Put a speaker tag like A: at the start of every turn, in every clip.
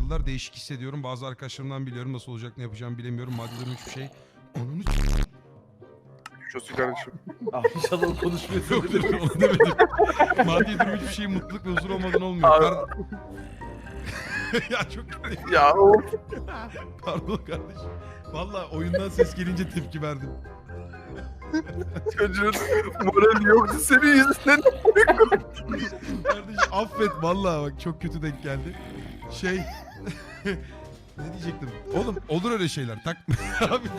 A: yıllar değişik hissediyorum. Bazı arkadaşlarımdan biliyorum nasıl olacak ne yapacağımı bilemiyorum. Maddi durum hiçbir şey. Onun
B: Şosu kardeşim.
C: Ah inşallah konuşmuyorsun.
A: yok onu demedim. Maddi durum hiçbir şey mutluluk ve huzur olmadan olmuyor. Ya çok
B: Ya oğlum.
A: pardon kardeşim. Valla oyundan ses gelince tepki verdim.
B: Çocuğun morali yoktu senin yüzünden.
A: Kardeşim affet valla bak çok kötü denk geldi. Şey ne diyecektim? Oğlum olur öyle şeyler takma. Abi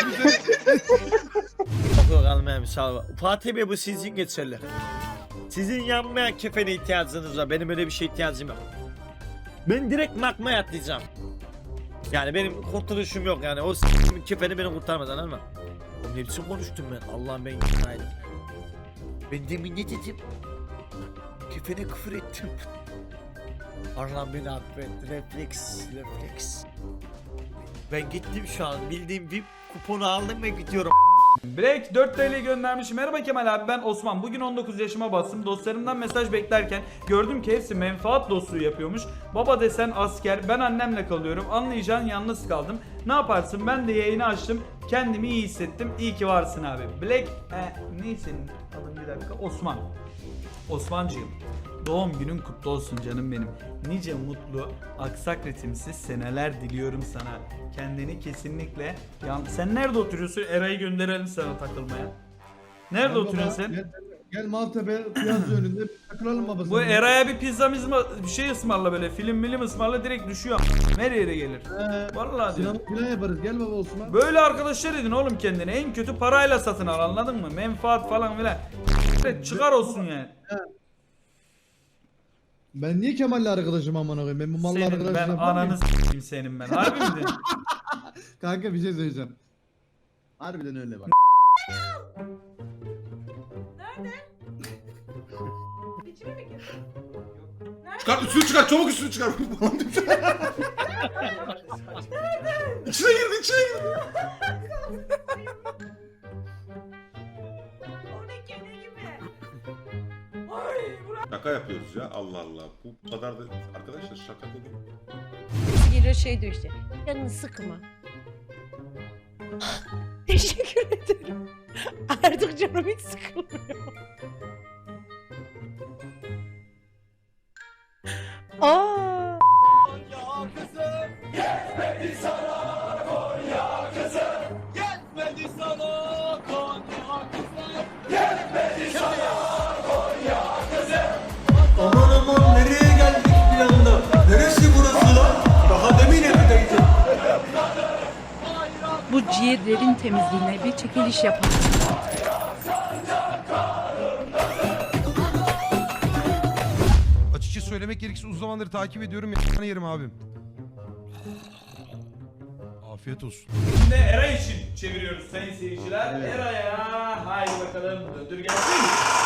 D: Yok almaya müsaade var. Fatih Bey bu sizin geçerli. Sizin yanmayan kefene ihtiyacınız var. Benim öyle bir şey ihtiyacım yok. Ben direkt makmaya atlayacağım. Yani benim kurtuluşum yok yani. O kefeni beni kurtarmaz anladın mı? Oğlum ne biçim konuştum ben? Allah'ım ben günaydın. Ben demin ne dedim? Kefene küfür ettim. Allah'ım beni affet. Refleks. Ben gittim şu an. Bildiğim bir kuponu aldım ve gidiyorum.
C: Break 4 TL göndermiş. Merhaba Kemal abi, ben Osman. Bugün 19 yaşıma bastım. Dostlarımdan mesaj beklerken gördüm ki hepsi menfaat dostluğu yapıyormuş. Baba desen asker, ben annemle kalıyorum. Anlayacağın yalnız kaldım. Ne yaparsın? Ben de yayını açtım. Kendimi iyi hissettim. İyi ki varsın abi. Black neyse alın bir dakika. Osman. Osmancığım. Doğum günün kutlu olsun canım benim. Nice mutlu, aksak ritimsiz seneler diliyorum sana. Kendini kesinlikle... Sen nerede oturuyorsun? Eray'ı gönderelim sana takılmaya. Nerede
E: Gel
C: oturuyorsun
E: baba,
C: sen?
E: Gel Maltepe piyazı önünde takılalım babası.
C: Bu Eray'a bir pizza bir şey ısmarla böyle. Film ısmarla direkt düşüyor. Her yere gelir. Vallahi diyorum.
E: Sinema plan yaparız. Gel baba Osman.
C: Böyle arkadaşlar edin oğlum kendine. En kötü parayla satın al, anladın mı? Menfaat falan filan. Çıkar olsun yani.
E: Ben niye Kemal'le arkadaşım amına koyayım? Ben bu malla
C: Senin
E: arkadaşım
C: ben
E: yapar mıyım?
C: ananı s**eyim senin ben. Harbi mi diyorsun?
E: Kanka bir şey söyleyeceğim. Harbiden öyle bak.
F: İçine mi girdin?
G: Çıkar üstünü çıkar çabuk üstünü çıkar. İçine girdi.
F: O ne kene gibi? Ay Burak.
G: Şaka yapıyoruz ya Allah Allah. Bu kadar da arkadaşlar şaka dedim.
H: Geliyor şey diyor işte. Canını sıkma. Teşekkür ederim. Artık canım hiç sıkılmıyor. Aa.
I: Aman aman nereye geldik bir anda? Neresi burası lan? Daha demin evdeydim.
J: Bu ciğerlerin temizliğine bir çekiliş yapalım.
A: açıkça söylemek gerekirse uzun zamandır takip ediyorum. Yani yerim abim. Afiyet olsun.
C: Şimdi Eray için çeviriyoruz sayın seyirciler.
E: Evet.
C: Eray'a haydi bakalım döndür gelsin.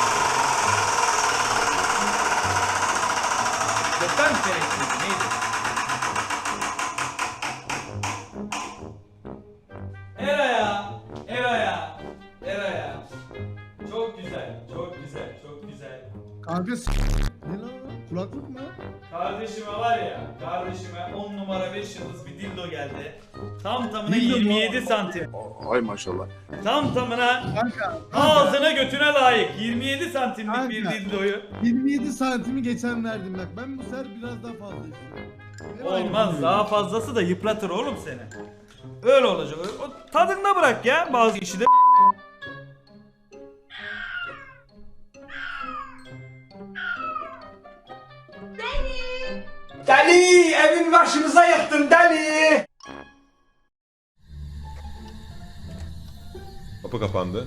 C: Gökten gerekli neydi? Eray'a. Çok güzel.
E: Kanka ne lan? Kulaklık mı?
C: Kardeşime var ya, kardeşime 10 numara 5 yıldız bir dildo geldi. Tam tamına
E: Dildo mu?
C: 27 santim.
B: Ay maşallah.
C: Tam tamına
E: Kanka.
C: ağzına götüne layık 27 santimlik
E: Kanka.
C: bir dildoyu.
E: 27 santimi geçen verdim bak. Ben bu sefer biraz daha fazla istiyorum. Hep aynı
C: Olmaz,
E: konuyu.
C: daha fazlası da yıpratır oğlum seni. Öyle olacak. O tadında bırak ya bazı işi de.
I: Deli! Evin başımıza yıktın deli!
G: Kapı kapandı.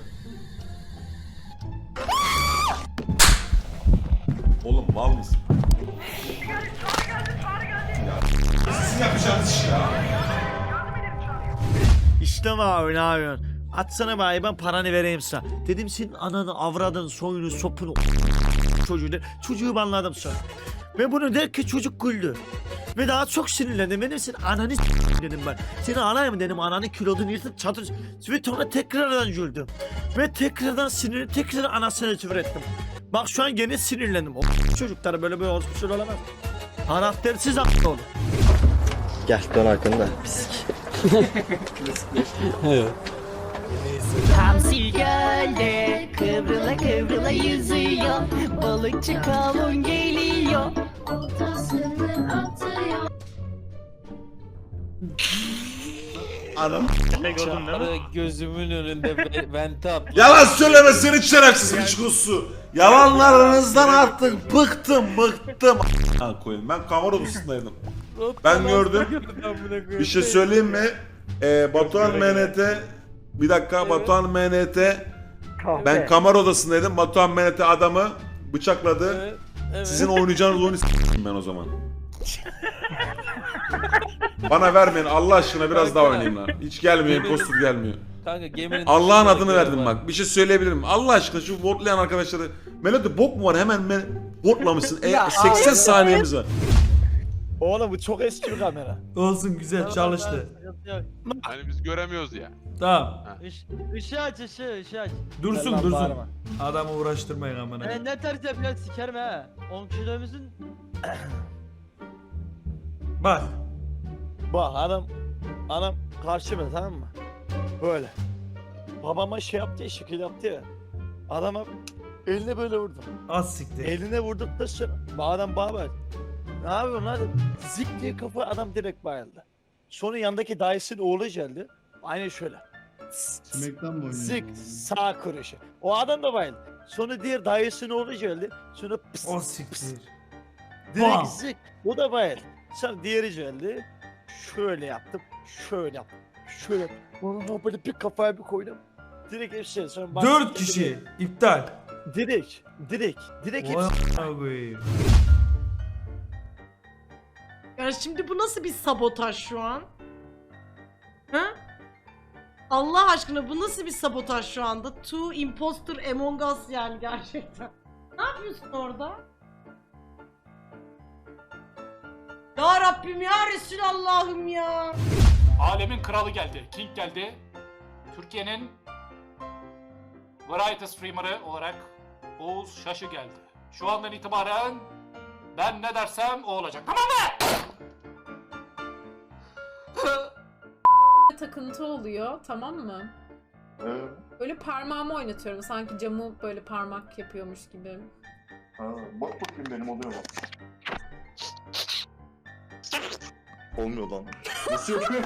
G: Oğlum mal mısın? Sizin yapacağınız iş ya.
D: İşte abi ne yapıyorsun? Atsana bari ben paranı vereyim sana. Dedim senin ananı, avradın, soyunu, sopunu, çocuğu de. Çocuğu banladım sonra. Ve bunu derken çocuk güldü. Ve daha çok sinirlendim. Benim senin ananı dedim ben. Seni anayım dedim, ananı kilodunu yırtıp çatır. Ve sonra tekrardan güldüm. Ve tekrardan sinirlenip tekrar anasını küfür ettim. Bak şu an gene sinirlendim. O çocuklara böyle olmuş olamaz. Karaktersiz aklı olur.
I: Gel dön arkanda. Pislik.
H: Hamsi gölde kıvrıla kıvrıla yüzüyor. Balıkçı kavun geliyor. Oltasını atıyor.
I: Gözümün önünde vente at.
G: Yalan söyleme seni şerefsiz bir çikosu. Yalanlarınızdan artık bıktım. Ha koyayım. Ben kamera odasındaydım. Ben gördüm. Bir şey söyleyeyim mi? Batuhan MNT bir dakika Batuhan MNT ben kamera odasındaydım. Batuhan MNT adamı bıçakladı. Sizin oynayacağınız oyunu s**tim ben o zaman. Bana vermeyin Allah aşkına biraz daha oynayayım lan. Hiç gelmiyor, impostor gelmiyor.
I: Kanka geminin
G: Allah'ın adını verdim bak. Bir şey söyleyebilirim. Allah aşkına şu votlayan arkadaşları. Melody bok mu var? Hemen votlamışsın. 80 saniyemiz var.
I: Oğlum bu çok eski bir kamera.
C: Olsun güzel çalıştı.
B: Hani biz göremiyoruz ya.
C: Tamam.
I: Işığı aç ışığı aç.
C: Dursun
I: Lan
C: dursun.
I: bağırma.
C: Adamı uğraştırmayın amına.
I: Ne ters yapıyorsun sikerim ha. 10 kilomuzun.
C: Bak.
I: Bak anam karşıma tamam mı? Böyle. Babama şey yaptı ya şekil yaptı ya. Adama eline böyle vurdum.
C: Az siktir.
I: Eline vurduktan sonra adam bana bak. Ne yapıyorsun lan? Zik diye kafa adam direkt bayıldı. Sonra yandaki dayısının oğlu geldi. Aynen şöyle.
E: Smack'tan mı oynuyor?
I: Zik sağ kuruşu. O adam da bayıldı. Sonra diğer dayısının oğlu geldi. Sonra pıs
C: O
I: pıs.
C: siktir.
I: Direkt
C: Bam.
I: zik. O da bayıldı. Sonra diğeri geldi. Şöyle yaptım. Şöyle yaptım. Şöyle yaptım. Ona böyle bir kafaya bir koydum. Direkt hepsi. Sonra
C: 4 kişi. İptal.
I: Direkt hepsi.
C: Vay koyayım.
H: Ya şimdi bu nasıl bir sabotaj şu an? Ha? Allah aşkına bu nasıl bir sabotaj şu anda? Two imposter among us yani gerçekten. Ne yapıyorsun orada? Ya Rabbim ya Resulallah'ım ya.
K: Alemin kralı geldi. King geldi. Türkiye'nin Variety Streamer'ı olarak Oğuz Şaşı geldi. Şu andan itibaren ben ne dersem o olacak. Tamam mı?
J: Takıntı oluyor, tamam mı? Böyle parmağımı oynatıyorum, sanki camı böyle parmak yapıyormuş gibi.
B: Bak bakayım benim oluyor mu? Olmuyor lan. Nasıl yapıyor?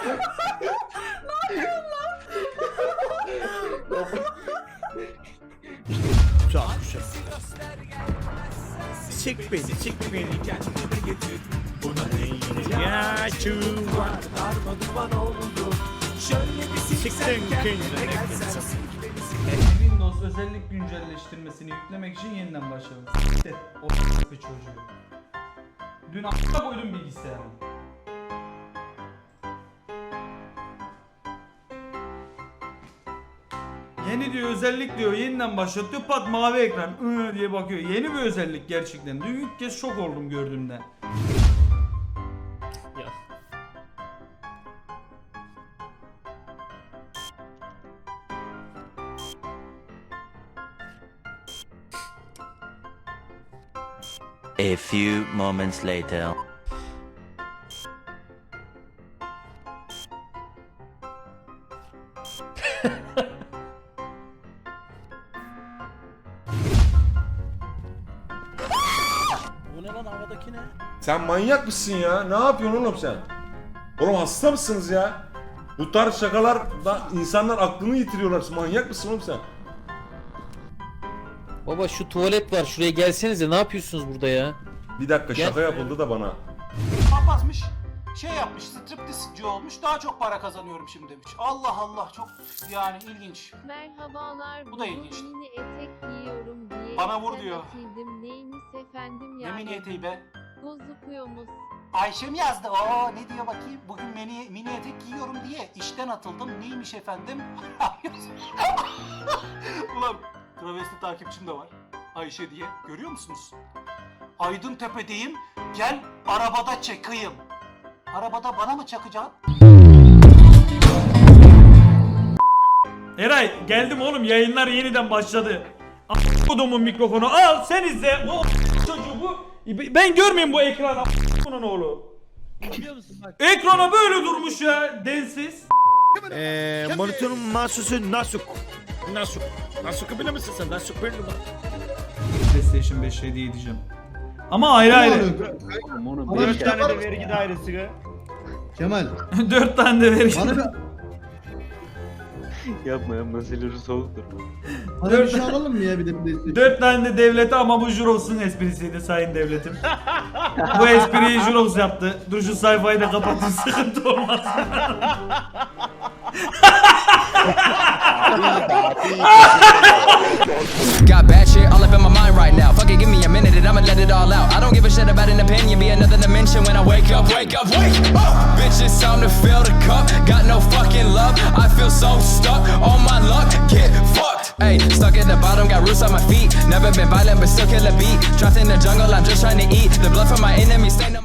D: Sik beni. Ya şu siktin kendine.
C: Windows özellik güncelleştirmesini yüklemek için yeniden başlayalım. S**t o bir çocuğu. Dün a**a koydum bilgisayarı. Yeni diyor özellik diyor yeniden başlatıyor pat mavi ekran diye bakıyor. Yeni bir özellik gerçekten. Dün ilk kez şok oldum gördüğümde.
I: A few moments later.
D: Bu ne lan havadaki ne?
G: Sen manyak mısın ya? Ne yapıyorsun oğlum sen? Oğlum hasta mısınız ya? Bu tarz şakalar da insanlar aklını yitiriyorlar. Manyak mısın oğlum sen?
I: Baba şu tuvalet var şuraya gelsenize ne yapıyorsunuz burada ya?
G: Bir dakika
I: Gel.
G: şaka yapıldı da bana.
K: Basmış. Şey yapmış, striptizci olmuş, daha çok para kazanıyorum şimdi demiş. Allah Allah, çok yani ilginç.
H: Merhabalar.
K: Bu da ilginç.
H: Mini etek giyiyorum diye.
K: Bana vur diyor.
H: Neyiniz efendim
K: Ne mini eteği be?
H: Bozukluğumuz.
K: Ayşe mi yazdı? Oo ne diyor bakayım? Bugün mini etek giyiyorum diye işten atıldım. Neymiş efendim? Ulan travesti takipçim de var. Ayşe diye. Görüyor musunuz? Aydıntepe'deyim. Gel arabada çakayım. Arabada bana mı çakacaksın?
C: Eray geldim oğlum yayınlar yeniden başladı. A**kodumun mikrofonu al sen izle. O çocuğu bu. Ben görmeyeyim bu ekranı. A**konun oğlu.
E: Biliyor musun bak.
C: Ekrana böyle durmuş ya densiz.
D: Monitörün mahsusu Nasuk. Nasuk'u bilir misin sen? Nasuk benim mi?
C: PlayStation 5 hediye edeceğim. Ama ayrı ayrı.
E: Bana bir şey
I: tane de
E: alalım.
I: vergi dairesi.
E: Kemal.
C: 4 tane de verin.
E: Bana bir, bana bir şey alalım mı ya bir de PlayStation?
C: 4 tane de devlete ama bu Juros'un esprisiydi sayın devletim. Bu espriyi Juros yaptı. Dur şu sayfayı da kapatın sıkıntı olmaz.
L: Got bad shit all up in my mind right now. Fuck it, give me a minute and I'ma let it all out. I don't give a shit about an opinion, be another dimension when I wake up. Wake up. Bitch, it's time to fill the cup. Got no fucking love. I feel so stuck on my luck. Get fucked. Hey, stuck at the bottom, got roots on my feet. Never been violent, but still kill a beat. Trapped in the jungle, I'm just trying to eat. The blood from my enemies stain on my